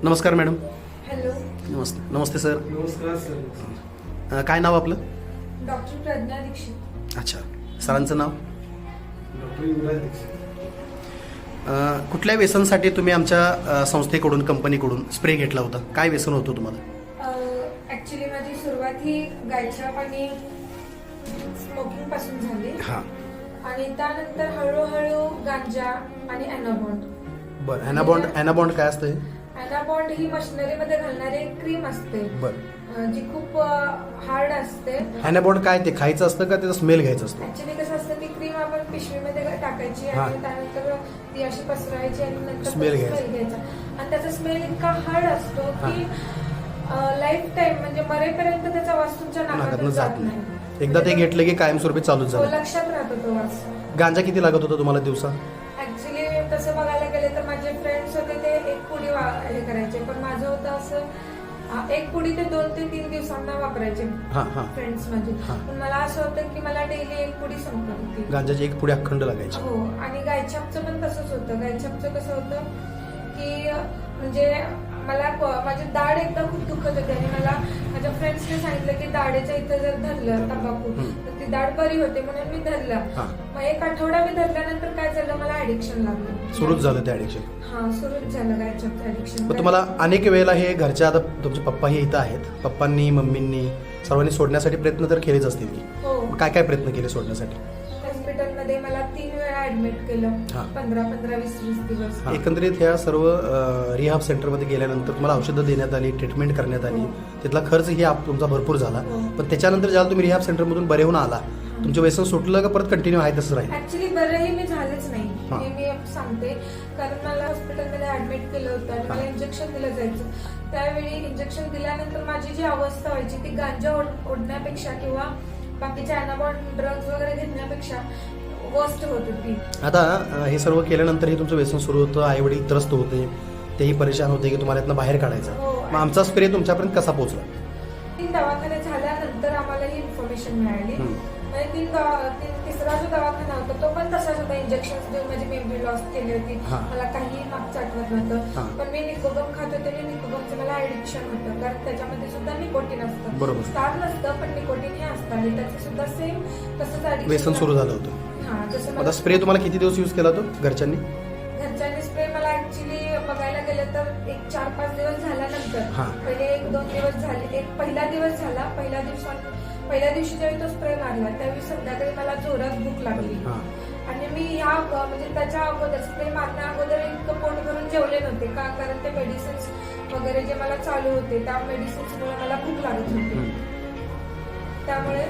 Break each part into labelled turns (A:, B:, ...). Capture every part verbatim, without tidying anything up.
A: नमस्कार madam.
B: Hello.
A: नमस्ते. नमस्ते सर.
C: नमस्कार सर.
A: अ, काय नाव आपलं?
B: डॉक्टर प्रज्ञा दीक्षित.
A: अच्छा. सरांचं नाव?
C: डॉक्टर युवराज दीक्षित.
A: अ, कुठल्या व्यसनसाठी तुम्ही आमच्या अ, संस्थेकडून कंपनीकडून स्प्रे घेतला होता? काय व्यसन होतं तुम्हाला?
B: ऍक्च्युली माझी सुरुवात ही गायच्या पाणी स्मोकिंग पासून झाली
A: हां.
B: आणि त्यानंतर हळूहळू गांजा आणि अॅनाबॉन्ड.
A: बरं. ॲनाबॉन्ड ॲनाबॉन्ड काय असतं?
B: अॅनाबॉन्ड ही मशिनरीमध्ये घालणारी एक क्रीम असते
A: बरं.
B: अं, जी खूप हार्ड असते.
A: ॲनाबॉन्ड काय ते खायचं असतं का त्याचा स्मेल घ्यायचा असतो?
B: ऍक्च्युली कसं असतं ती क्रीम आपण पिशवीमध्ये टाकायची
A: हा.
B: आणि त्यानंतर ती अशी पसरायची आणि नंतर
A: Smell
B: त्याचा
A: घ्यायचा.
B: smell घ्यायचा आणि त्याचा स्मेल इतका हार्ड असतो
A: हा.
B: की लाईफ टाइम म्हणजे मरेपर्यंत त्याचा वास तुमच्या
A: नाकातनं
B: नाकातून
A: जात
B: जात
A: नाही.
B: नाही.
A: एकदा ते घेतलं की कायमस्वरूपी चालूच
B: हो,
A: झालं.
B: लक्षात राहतो तो वास.
A: गांजा किती लागत होता तुम्हाला दिवसा?
B: ऍक्च्युली तसं बघायला गेले तर माझे फ्रेंड्स होते ते एक पुडी वा- हे करायचे, पण माझं होतं असं आ, एक पुडी ते दोन ते तीन दिवसांना वापरायचे
A: हां हां.
B: फ्रेंड्स माझे.
A: हा.
B: पण मला असं होतं की मला डेली एक पुडी संपत होती.
A: गांजाची एक पुढे अखंड लागायची.
B: हो. आणि गायछापचं पण तसंच होतं. गायछापचं कसं होतं की म्हणजे मला क- माझी दाढ एकदा खूप दुखत होती आणि मला माझ्या फ्रेंड्सने सांगितलं की दाढेच्या इथं जर धरलं तंबाखू
A: हम्म.
B: तर ती दाढ बरी होते म्हणून मी धरलं.
A: हां.
B: मग एक आठवडा मी धरल्यानंतर काय झालं, मला ऍडिक्शन लागलं.
A: सुरूच झालं ते ॲडिक्शन.
B: हा, सुरूच झालं गायछापचं ऍडिक्शन.
A: पण तुम्हाला अनेक वेळेला हे घरच्या, आता तुमचे पप्पाही इथं आहेत, पप्पांनी मम्मींनी सर्वांनी सोडण्यासाठी प्रयत्न तर केलेच असतील की?
B: हो.
A: काय काय प्रयत्न केले सोडण्यासाठी?
B: हॉस्पिटलमध्ये मला तीन वेळा ऍडमिट केलं.
A: हा.
B: पंधरा पंधरा वीस वीस दिवस.
A: एकंदरीत ह्या सर्व रिहाब सेंटरमध्ये गेल्यानंतर तुम्हाला औषधं देण्यात आली, ट्रीटमेंट करण्यात आली, तिथला खर्च ही आप- तुमचा भरपूर झाला.
B: हो.
A: पण त्याच्यानंतर ज्याला तुम्ही रिहाब सेंटरमधून बरे होऊन आला, तुमचं व्यसन सुटलं का परत कंटिन्यू आहे तसं राहील?
B: ऍक्च्युली बरंही मी झालेच नाही
A: हा.
B: हे मी सांगते, कारण मला हॉस्पिटलमध्ये ऍडमिट केलं होतं आणि मला इंजेक्शन दिलं जायचं. त्यावेळी इंजेक्शन दिल्यानंतर माझी जी अवस्था व्हायची ती गांजा ओढ- ओढण्यापेक्षा किंवा बाकीच्या अॅनाबॉन्ड ड्रग्ज वगैरे घेण्यापेक्षा वर्स्ट होत होती.
A: आता अ, हे सर्व केल्यानंतरही तुमचं व्यसन सुरू होतं, आई वडील त्रस्त होते, तेही परेशान होते की तुम्हाला यातनं बाहेर काढायचं.
B: हो.
A: मग आमचा स्प्रे तुमच्यापर्यंत कसा पोहोचला?
B: तीन दवाखाने झाल्यानंतर आम्हाला ही इन्फॉर्मेशन मिळाली.
A: हम्म.
B: म्हणजे तीन दवा- तीन- तिसरा जो दवाखाना होता तो पण तसाच होता. इंजेक्शन देऊन माझी मेमरी लॉस केली होती.
A: हा.
B: मला काही मागचं आठवत
A: हा.
B: नव्हतं. पण मी निकोबम खात होते आणि निकोबमचं मला ऍडिक्शन होतं, कारण त्याच्यामध्ये सुद्धा निकोटीन असतं.
A: बरोबर.
B: स्टार नसतं पण निकोटीन हे असतं आणि त्याचं सुद्धा सेम तसंच addiction
A: व्यसन सुरू झालं होतं.
B: हा, जसं
A: आता
B: मला
A: स्प्रे तुम्हाला किती दिवस यूज केला तो घरच्यांनी?
B: घरच्यांनी स्प्रे मला ऍक्च्युली बघायला गेलं तर एक चार पाच दिवस झाल्यानंतर,
A: हा.
B: पहिले एक दोन दिवस झाले, एक पहिला दिवस झाला. पहिल्या दिवसात पहिल्या दिवशी ज्यावेळी तो स्प्रे मारला त्यावेळी संध्याकाळी मला जोरात भूक लागली
A: हां.
B: आणि मी ह्या म्हणजे त्याच्या अगोदर स्प्रे मारण्या अगोदर इतकं पोट भरून जेवले नव्हते का, कारण ते मेडिसिन्स वगैरे जे मला चालू होते त्या मेडिसिन्समुळे मला भूक लागत होती.
A: हम्म.
B: त्यामुळे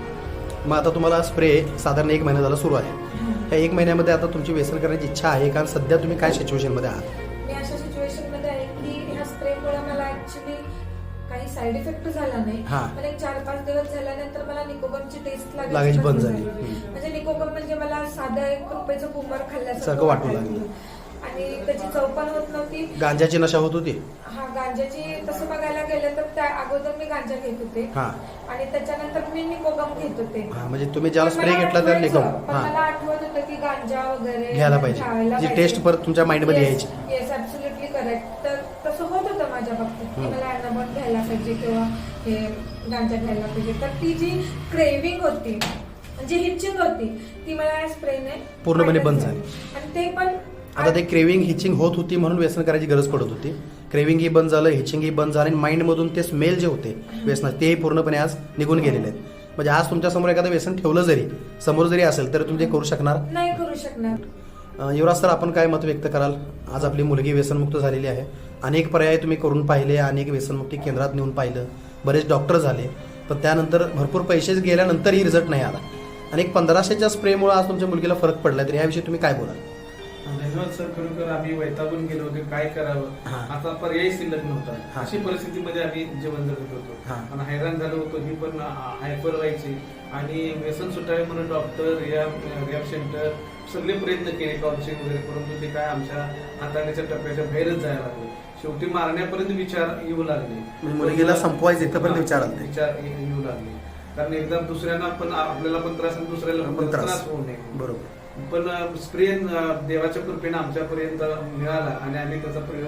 A: मग आता तुम्हाला स्प्रे साधारण एक महिना झाला सुरू आहे. या एक महिन्यामध्ये आता तुमची व्यसन करण्याची इच्छा आहे, कारण सध्या तुम्ही काय सिच्युएशनमध्ये आहात?
B: मी अशा सिच्युएशन मध्ये आहे की ह्या स्प्रेमुळे मला ऍक्च्युली काही साईड इफेक्ट झाला नाही.
A: हा.
B: पण एक चार पाच दिवस झाल्यानंतर मला निकोबमची टेस्ट
A: लागायची बंद झाली. हम्म.
B: म्हणजे निकोबम म्हणजे मला साधं एक रुपयाचं बुमर खाल्ल्यासारखं
A: सारखं वाटू
B: वाटायचं.
A: लागलं.
B: आणि त्याची चव पण होत नव्हती.
A: गांजाची नशा होत होती?
B: हा, गांजाची तसं बघायला गेलं तर त्या अगोदर मी गांजा घेत होते
A: हां.
B: आणि त्याच्यानंतर मी निकोबम घेत होते.
A: हां, म्हणजे तुम्ही ज्याला
B: पण
A: स्प्रे
B: मला
A: घेतला त्याला
B: आठवायचं,
A: निकोबम.
B: पण
A: हां.
B: मला आठवत होतं की गांजा वगैरे
A: घ्यायला पाहिजे.
B: घ्यायला
A: जी
B: पाहिजे.
A: टेस्ट परत तुमच्या माइंडमध्ये यायची.
B: Yes, absolutely correct. तर तसं होत होतं माझ्या बाबतीत की
A: हम्म.
B: मला अॅनाबॉन्ड घ्यायला पाहिजे किंवा हे गांजा घ्यायला पाहिजे. तर ती जी क्रेविंग होती, जी हिचिंग होती, ती मला या स्प्रेने
A: पूर्णपणे बंद झाली.
B: आणि ते पण
A: आता ते क्रेविंग हिचिंग होत होती म्हणून व्यसन करायची गरज पडत होती. क्रेविंग ही बंद झालं, हिचिंग ही बंद झालं आणि माइंडमधून ते स्मेल जे होते व्यसनात तेही पूर्णपणे आज निघून गेलेले आहेत. म्हणजे आज तुमच्यासमोर एखादं व्यसन ठेवलं जरी, समोर जरी असेल तर तुम्ही ते करू शकणार
B: नाही करू शकणार.
A: अ, युवराज सर, आपण काय मत व्यक्त कराल? आज आपली मुलगी व्यसनमुक्त झालेली आहे. अनेक पर्याय तुम्ही करून पाहिले, अनेक व्यसनमुक्ती केंद्रात नेऊन पाहिलं, बरेच डॉक्टर झाले, पण त्यानंतर भरपूर पैसे गेल्यानंतरही रिझल्ट नाही आला आणि एक पंधराशेच्या स्प्रेमुळे आज तुमच्या मुलगीला फरक पडला. तर याविषयी तुम्ही काय बोलाल?
C: धन्यवाद सर. खरोखर आम्ही वैतागून गेलो होतो, काय करावं,
A: हा.
C: आता पर्याय शिल्लक नव्हता.
A: हा.
C: अशी परिस्थितीमध्ये आम्ही जीवन जगत होतो
A: हा.
C: आणि हैराण झालो होतो. ही पण हायपर व्हायची आणि व्यसन सुटावे म्हणून डॉक्टर, रिहॅब रिहॅब सेंटर सगळे प्रयत्न केले, काउन्सिलिंग वगैरे, परंतु ते काय आमच्या हाताळण्याच्या टप्प्याच्या बाहेरच जायला लागले. शेवटी मारण्यापर्यंत विचार येऊ लागले.
A: म्हणजे मुलगीला संपवायचं इथंपर्यंत विचार आले.
C: विचार येऊ लागले, कारण एकदा दुसऱ्यांना पण आपल्याला पण त्रास आणि दुसऱ्याला पण त्रास होऊ नये.
A: बरोबर.
C: पण स्प्रे देवाच्या कृपेने आमच्यापर्यंत मिळाला आणि आम्ही त्याचा प्रयोग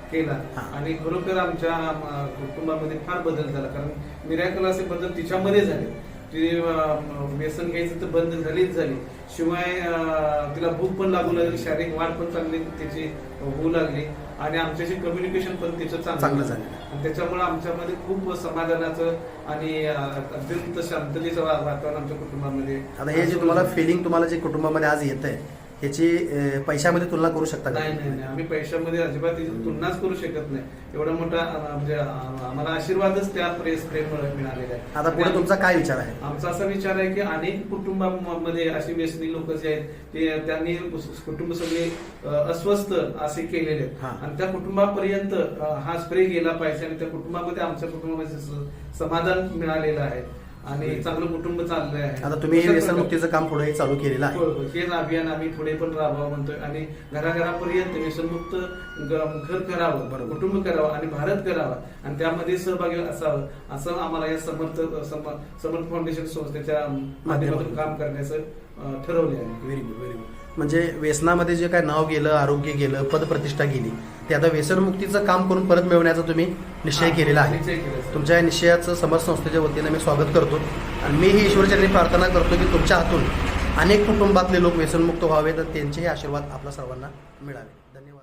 C: केला
A: हा.
C: आणि खरोखर आमच्या अं, कुटुंबामध्ये फार बदल झाला. कारण मिरॅकल असे बदल तिच्यामध्ये झाले. ती अं, व्यसन घ्यायचं तर बंद झालीच झाली, शिवाय अं, तिला भूक पण लागू लागली, शारीरिक वाढ पण चांगली तिची होऊ लागली आणि आमच्याशी कम्युनिकेशन पण तिचं
A: चांगलं
C: चांगलं
A: झालं.
C: आणि त्याच्यामुळे आमच्यामध्ये खूप समाधानाचं आणि अं, अत्यंत शांततेचं वा- वातावरण आमच्या कुटुंबामध्ये.
A: आता हे जे तुम्हाला फिलिंग तुम्हाला जे कुटुंबामध्ये आज येत आहे ह्याची अं, पैशामध्ये तुलना करू शकता का?
C: नाही नाही नाही आम्ही पैशामध्ये अजिबात त्याची तुलनाच करू शकत नाही. एवढा मोठा अं, म्हणजे अं, आम्हाला आशीर्वादच त्या प्रेस प्रेममुळे मिळालेला आहे.
A: आता पुढे तुमचा काय विचार आहे?
C: आमचा असा विचार आहे की अनेक कुटुंबामध्ये अशी व्यसनी लोक जे आहेत ते त्यांनी कुटुंब सगळे अं, अस्वस्थ असे केलेले आहेत
A: हा.
C: आणि त्या कुटुंबापर्यंत अं, हा स्प्रे गेला पाहिजे आणि त्या कुटुंबामध्ये आमच्या कुटुंबामध्ये स- समाधान मिळालेलं आहे आणि चांगलं कुटुंब चाललंय आहे.
A: आता तुम्ही हे
C: अशा
A: व्यसनमुक्तीचं काम पुढे चालू केलेलं
C: होय,
A: आहे.
C: होय. हेच अभियान आम्ही पुढे पण राबवावं म्हणतोय आणि घराघरापर्यंत व्यसनमुक्त ग- घर करावं,
A: बरोबर.
C: कुटुंब करावं आणि भारत करावा आणि त्यामध्ये सहभागी असावं असं आम्हाला या समर्थ सम- समर्थ फाउंडेशन संस्थेच्या माध्यमातून काम करण्याचं अं, ठरवले आहे.
A: Very good very good. म्हणजे व्यसनामध्ये जे काय नाव गेलं, आरोग्य गेलं, पदप्रतिष्ठा गेली, ते आता व्यसनमुक्तीचं काम करून परत मिळवण्याचा तुम्ही निश्चय केलेला आहे.
C: निश्चय केला, सर.
A: तुमच्या या निश्चयाचं समर्थ संस्थेच्या वतीने मी स्वागत करतो आणि मी ही ईश्वरचरणी प्रार्थना करतो की तुमच्या हातून अनेक कुटुंबातले लोक व्यसनमुक्त व्हावेत आणि त्यांचेही आशीर्वाद आपल्या सर्वांना मिळावे. धन्यवाद.